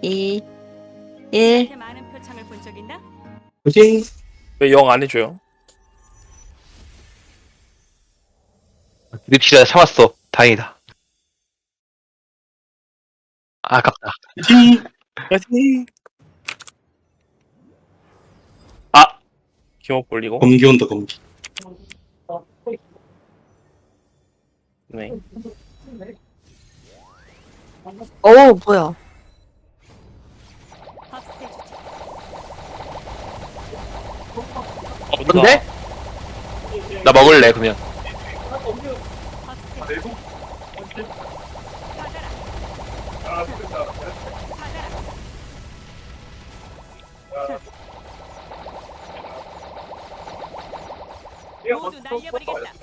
2, 1. 이렇게 많은 표창을 본 적 있나? 그지? 왜 영 안 해줘요? 립시가 참았어. 다행이다. 아깝다. 그지? 파이팅! 아! 기억 올리고. 검기 온다, 검기. 네. 오, 뭐야. 밥세주지. 근데? 나 먹을래, 그러면. 밥세주지. 받아라. 받아라. 모두 날려버리겠다.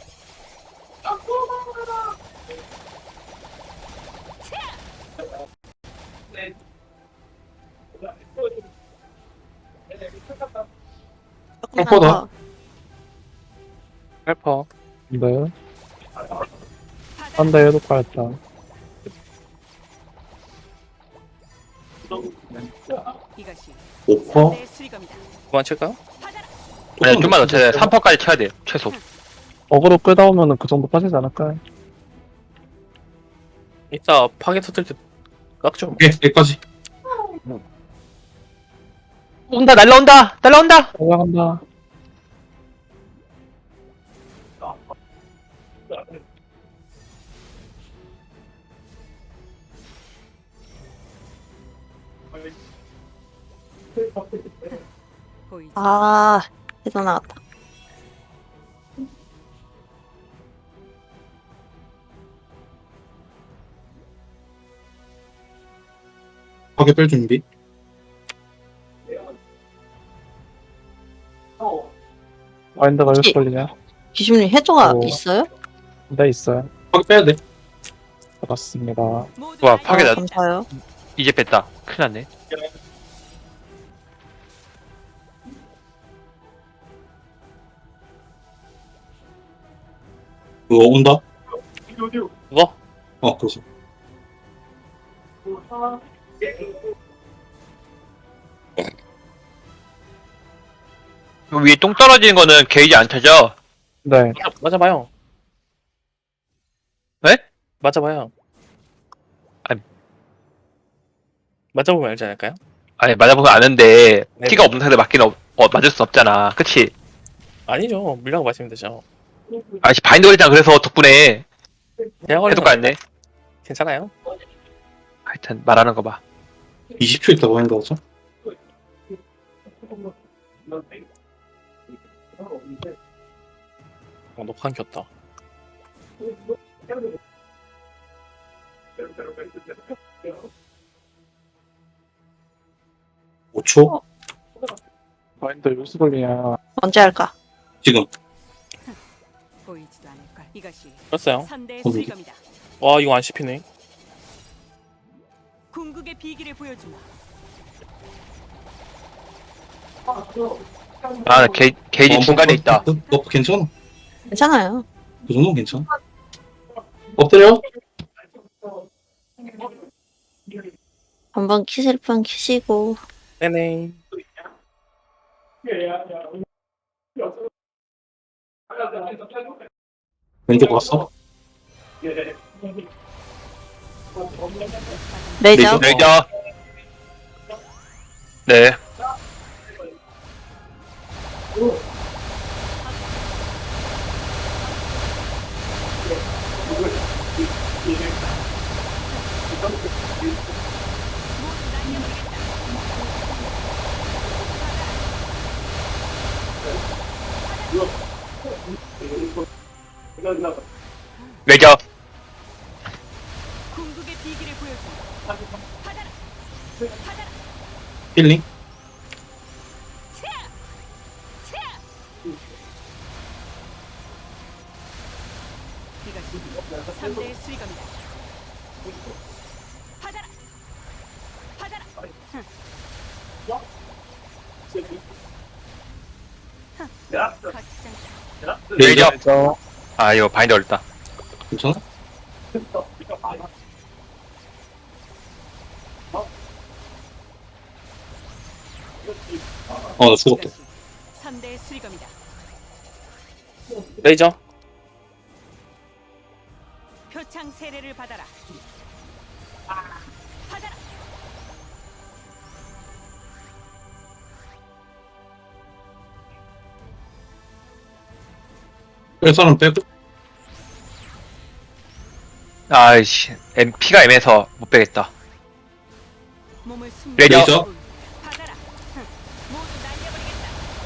조금만 뻔뻔하다. 더. 헬퍼. 네. 받아라. 한 대 해도 빠졌다. 이것이 5퍼? 내 수리검이다. 그만 칠까요? 받아라. 아니, 좀만 더 쳐야 돼. 3퍼까지 쳐야 돼, 최소. 어그로 끄다 오면은 그 정도 빠지지 않을까요? 이따 파괴 터뜨릴 때 깎죠. 예, 여기까지. 온다, 날라온다! 날라온다! 올라간다. 보이지? 아, 해서 나갔다. 파괴 뺄 준비. 마인드가 혹시- 6 걸리냐? 기준님 해조가 오. 있어요? 네, 있어요. 파괴 빼야 돼. 잡았습니다. 모두 와, 파괴 아, 나- 감사해요. 이제 뺐다. 큰일 났네. 그거 온다? 그거? 그래서. 위에 똥 떨어지는 거는 게이지 안 타죠? 네. 맞아봐요. 네? 맞아봐요. 아니. 맞아보면 알지 않을까요? 아니, 맞아보면 아는데, 네. 티가 없는 상대 맞기는 맞을 수 없잖아. 그치? 아니죠. 물량 마시면 되죠. 아씨, 바인드 걸리잖아. 그래서 덕분에 대학 해독 갔네. 괜찮아요? 하여튼, 말하는 거 봐. 20초 있다고 하는 거죠? 녹한 켰다. 오 초 마인드 6 걸리냐? 언제 할까? 지금. 보이지도 않을 걸. 이것이 뺐어요. 선대의 거기. 수리검이다. 와 이거 안 씹히네. 궁극의 비기를 보여주마. 아, 게이지 중간에 있다. 너 괜찮아. 괜찮아요. 그 정도는 괜찮아. 엎드려? 한번 키실 분 키시고. 네네. 왼쪽 왔어? 레이저. 레이저. 네. 레이저. 궁극의 비기를 보여주마. 받아라. 받아라. 힐링? 이것이 선대의 수리검이다. 받아라. 받아라. 거치장사. 레이저. 저 아, 이거 바인드 걸렸다. 괜찮아? 나 죽었다. 3대 수리검이다. 레이저. 표창 세례를 받아라. 받아라. 뺄 사람 빼고. 아이씨, 피가 애매해서 못 빼겠다. 몸을 숨. 레이저. 받아라. 모두 날려버리겠다.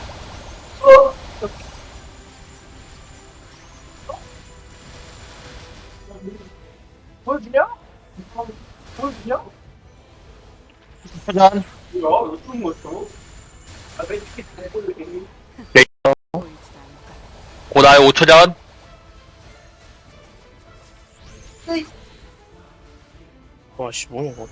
보이지도 않을까. 고다의 5초 전. 와씨 뭐야 이거.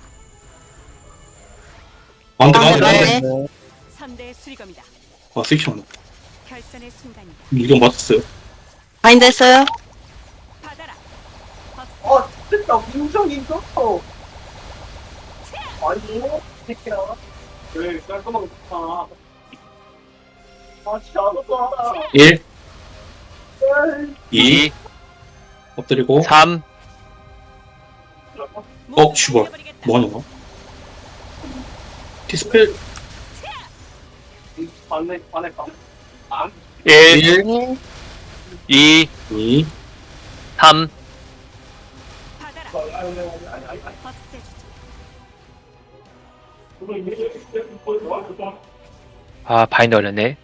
안 돼, 아, 안 돼, 안 돼. 네. 3대 수리검이다. 섹션. 결선의 순간이다. 이건 맞았어요. 바인드 했어요? 받아라. 진짜 민정이 좋어. 아니, 새끼야. 왜 깔끔하게 좋다. 아, 진짜 안 좋다. 1, 2, 2, 엎드리고. 3, 모두 슈발. 날려버리겠다. 뭐하냐, 너? 디스펠. 반에 까. 1, 1, 2, 2, 3, 받아라. 없애주지. 아, 바인드 걸렸네.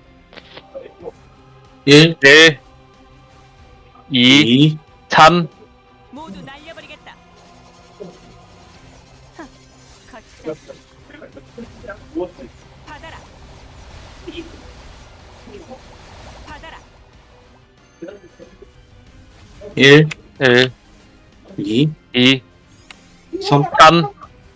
1, 1, 2, 2, 3, 모두 날려버리겠다. 거치자. 받아라. 받아라. 1, 1, 2, 2, 3. 3,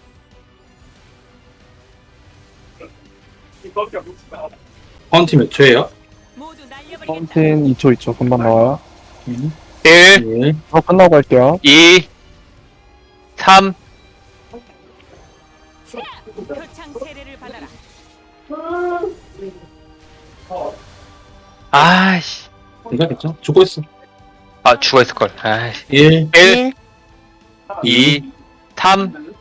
파운틴 몇 초예요? 모두 날려버리겠다. 파운틴 2초 2초 금방 나와요. 1, 1, 이거 끝나고 할게요. 2, 3, 표창 세례를 받아라. 아이씨. 괜찮겠죠? 죽고 있어. 아, 죽어있을걸. 아이씨. 1, 1, 2, 3,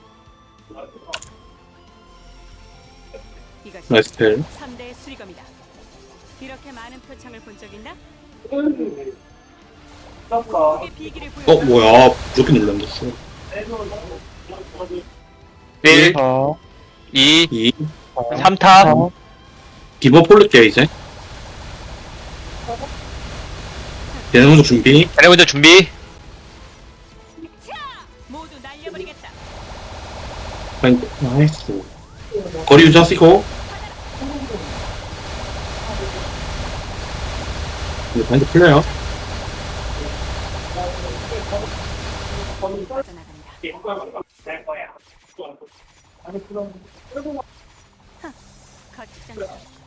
이것이 나이스 펠. 3대 수리검이다. 이렇게 많은 표창을 본 적 있나? 크게 비기를 보여. 뭐야. 무조건 눌렀어. 1, 4, 2, 2, 3타, 기본 폴릴게요, 이제. 얘네 먼저 준비. 자네 먼저 준비. 모두 날려버리겠다. 파인드. 나이스. 거리 유지하시고. 이제 파인드 풀려요. 빠져나간다. 거치장.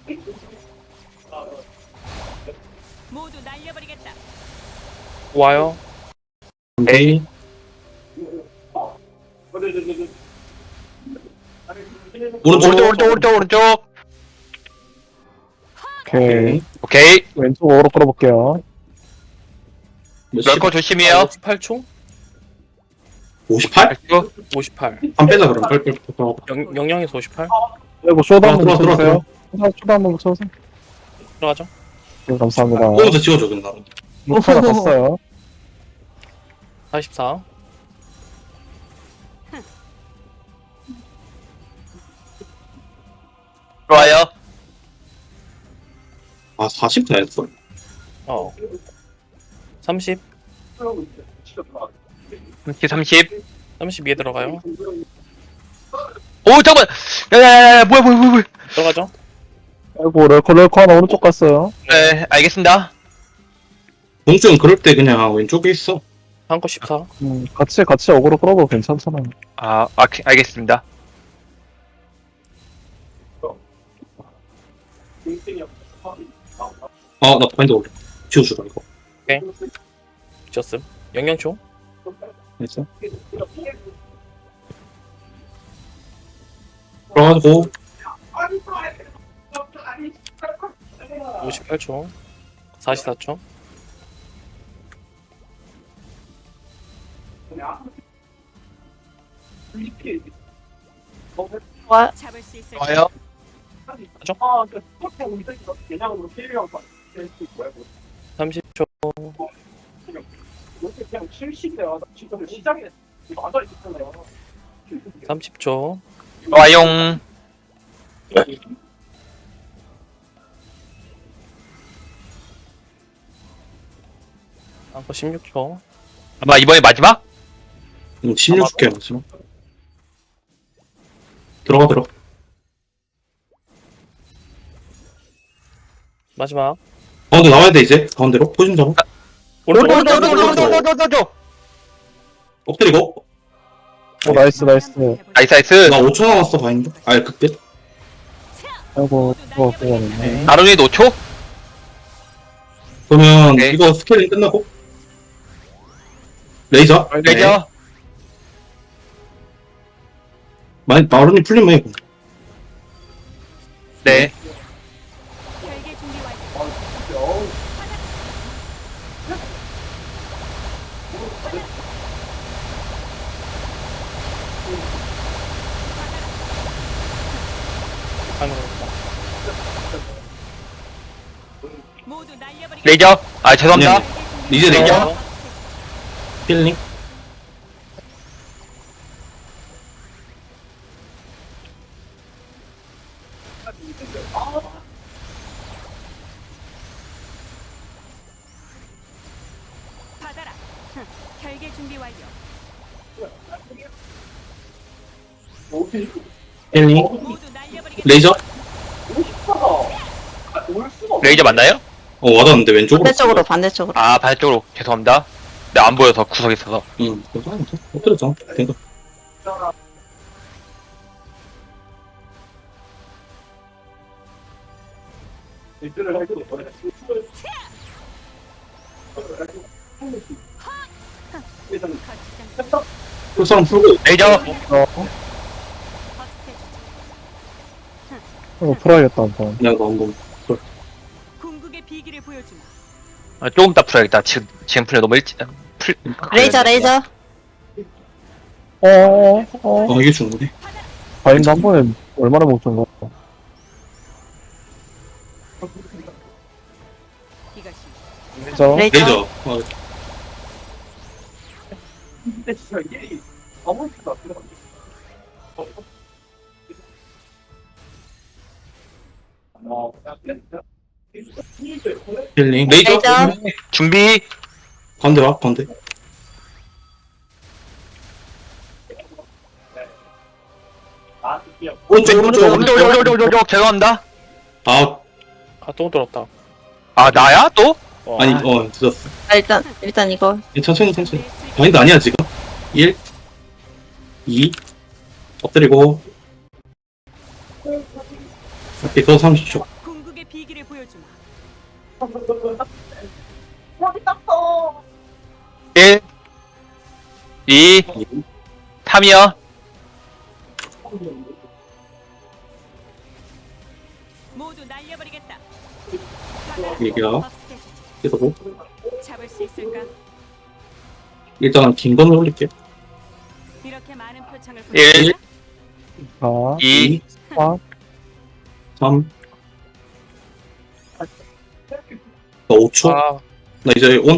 모두 날려버리겠다. 와요. 에이. 오른쪽. 오케이. 오케이. 왼쪽으로 끌어볼게요. 럴거 조심해요. 58초? 58? 58. 한 빼자, 그럼. 빨리. 영영에서 58. 그리고 쇼도 한번 들어와, 붙여주세요. 쇼도 한번 붙여주세요. 들어가죠. 네, 감사합니다. 오면서 찍어줘, 그냥. 루카가 떴어요. 44. 좋아요. 아, 40도 했어. 30. 30. 32에 들어가요. 오, 잠깐만. 야야야, 뭐야. 들어가죠. 아이고, 럴커 하나 오른쪽 갔어요. 네, 알겠습니다. 동주는 그럴 때 그냥 왼쪽에 있어. 한거 14. 같이 어그로 끌어도 괜찮잖아요. 알겠습니다. 나 파인드 올려. 지워주라, 이거. 미쳤음. 영영초. 됐어? 들어가지고. 58초. 44초. 와, 잡을 수 있을까? 좋아요. 아, 그 스포츠 우리가 개념으로 필요한 거 뭐야? 30초. 이렇게 그냥 실시돼요. 지금 시작에 맞아 있잖아요. 30초. 좋아용. 한거 16초. 아마 이번이 마지막? 16개 맞지? 들어가. 마지막. 가운데 나와야 돼, 이제. 가운데로. 포진 잡아. 오른쪽. 오른쪽. 엎드리고. 나이스. 나이스. 나 5초 남았어, 바인드. 그때. 아이고, 그거네. 나름이 5초? 그러면 네. 이거 스케일링 끝나고. 레이저. 레이저. 마루님 풀리면 해. 네. 결계 준비 완료. 하는 거. 모두 날려버리겠다. 레이저. 아, 죄송합니다. 네. 이제 레이저. 스케일링. 받아라. 결계 준비 완료. 스케일링. 모두 날려버리겠다. 레이저. 레이저 맞나요? 와닿는데 왼쪽으로. 반대쪽으로. 아, 반대쪽으로. 죄송합니다. 네, 안 보여서 구석에 있어서. 응. 엎드렸잖아. 된다. 거치장 풀 사람 풀고. 레이저. 없애주자. 이거 풀어야겠다, 한번. 내가 나온 거. 궁극의 비기를 보여주마. 아, 조금 이따 풀어야겠다. 지금 풀려 너무 일찍. 레이저. 이게 중요해. 바인드 한 번에 얼마나 못 준 거? 이것이 레이저. 레이저. 근데 진짜 이게 아무렇지도 않더라. 스케일링. 레이저. 레이저. 준비. 가운데 와, 가운데. 오른쪽. 죄송합니다. 아, 또 들었다. 아, 나야? 또? 아니, 늦었어. 일단 이거. 천천히. 바인드 아니야, 지금. 1, 2, 엎드리고. 오케이, 더 30초. 궁극의 비기를 보여주마. 1, 2, 3이요. 모두 날려버리겠다. 얘기야. 없애주자. 계속. 잡을 수 있을까? 일단 긴 건을 올릴게. 이렇게 많은 표창을 1, 보여주마. 4, 2, 4, 3. 나 5초. 아, 나 이제 온.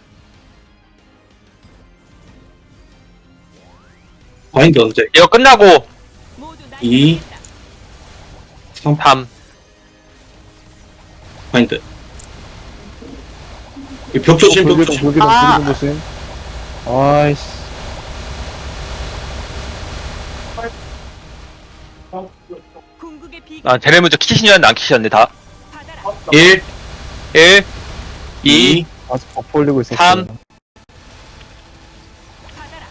바인드 언제? 이거 끝나고 모두 2, 날려버리겠다. 3. 3. 바인드. 벽 조심. 불기둥 조심. 아이씨. 궁극의 비기 아, 제레 먼저 키시는데 안 키시는데 다. 받아라. 1, 1, 2, 2, 아직 버프 올리고 있었어. 3. 받아라.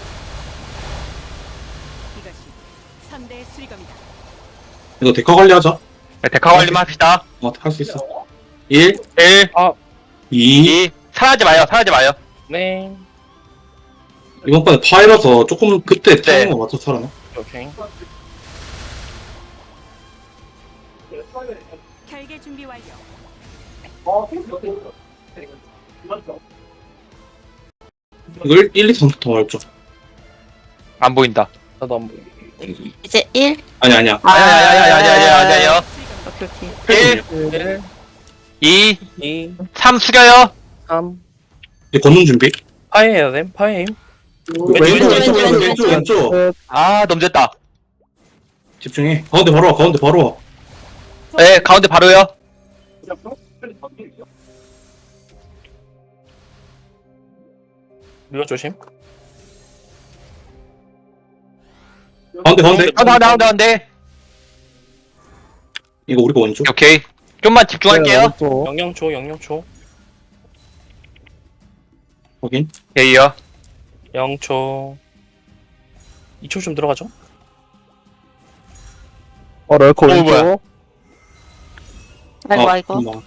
이것이 선대의 수리검이다. 이거 데카 관리하자. 네, 데카 관리만 합시다. 할 수 있어. 1, 1, 2. 2. 사라지 마요. 네. 이번 번에 파이라서 조금 그때 네. 타이밍에 맞춰 살아나. 오케이. 결계 준비 완료. 이거 1, 2, 3부터 말죠. 안 보인다. 나도 안 보여. 이제 1. 아니야. 아야야야야야야야야. 오케이, 오케이. 1, 1, 2, 2, 3 숙여요. 3. 이제 걷는 준비. 파이해야 돼. 파이임. 왼쪽. 아 너무 됐다. 집중해. 가운데 바로 와. 가운데 바로 와. 네 가운데 바로요. 이거 조심. 가운데. 가운데. 이거 우리가 왼쪽. 오케이. 좀만 집중할게요. 영영초, 영영초. 확인. 오케이요. 0초. 2초 좀 들어가죠. 럴커 뭐야. 왼쪽. 아이고. 잠깐만.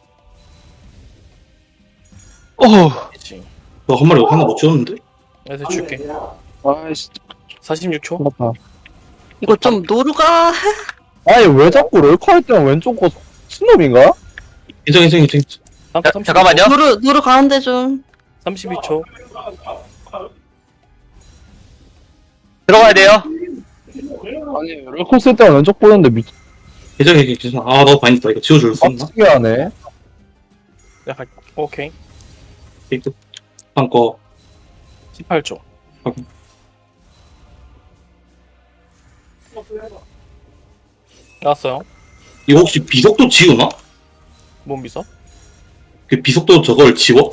오. 그치. 너 한 마리 하나 못 지웠는데? 내가 줄게. 아이씨 46초. 끝났다. 이거 좀 노루가. 아니 왜 자꾸 럴커 할 때는 왼쪽 거 신놈인가? 인정. 잠깐만요. 노루 가운데 좀. 32초. 들어가야 돼요. 아니 럴커 쓸 때는 왼쪽 보는데 인정. 아, 너 바인다. 이거 지워줄 수 있나? 빡치게 하네. 약간 오케이. 게이트. 한 거. 18초. 나왔어요. 이거 혹시 비속도 지우나? 몸 비서. 그 비속도 저걸 지워?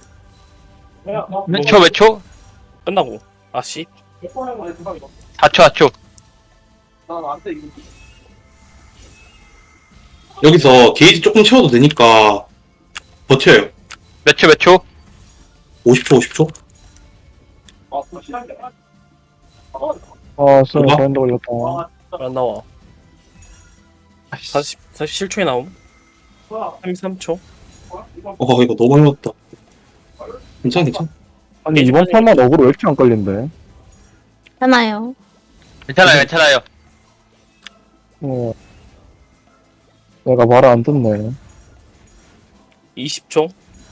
몇 초? 끝나고. 아씨. 4초. 여기서 게이지 조금 채워도 되니까 버텨요. 몇 초? 50초. 아 쏘리 뭐가? 바인드 걸렸다. 안 나와. 47초에 나옴. 33초. 이거 너무 많이 왔다. 괜찮아. 아니 이번 판만 어그로 왜 이렇게 안 걸린대? 하나요. 괜찮아요. 내가 말을 안 듣네. 20초.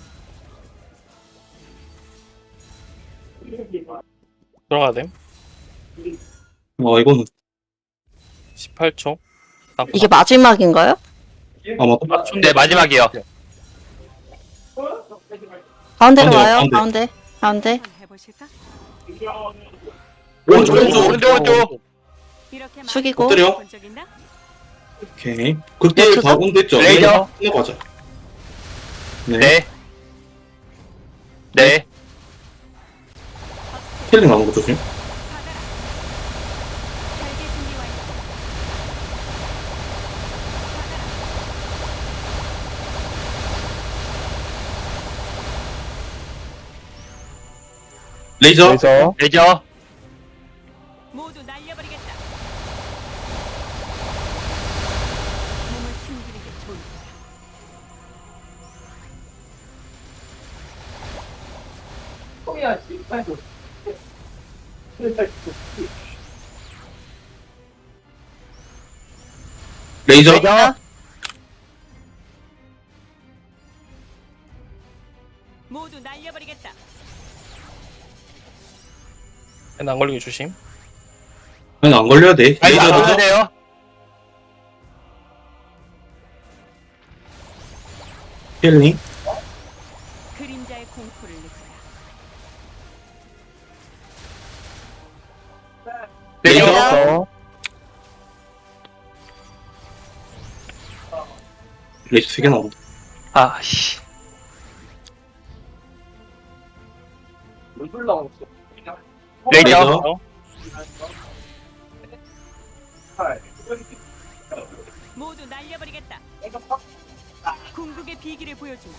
들어가야 돼. 이거는 18초. 이게 마지막인가요? 아마 네 마지막이요. 가운데로 가운데, 와요. 가운데. 가운데. 한번 해보실까? 오른쪽. 이렇게 많은 숙이고. 엎드려. 본 적 있나? 오케이. 그때 몇 초? 다 온댔죠? 레이저. 끝나가자. 네. 네. 힐링 나오는 거 조심. 받아라. 잘게 준비 완료. 레이저. 레이저. 레이저. 모두 날려버리겠다. 몸을 숨기는 게 좋을 거야. 레이저. 모두 날려버리겠다. 안 걸리게 조심. 아니, 안 걸려야 돼. 아니 안 레이저. 돼요. 힐링. 그림자의 공포를 느껴라. 레이저. 레이저. 레이저 3개 나온다. 아씨. 레이저. 어? 모두 날려버리겠다. 궁극의 비기를 보여주마.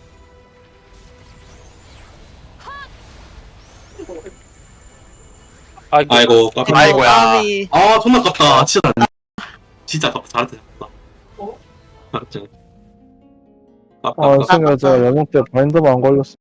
아이고, 깜짝. 아이고야. 까비. 존나 깝다. 진짜 깝다. 잘했다. 잘했다. 아 승현 제가 영웅 때 바인드만 안 걸렸어.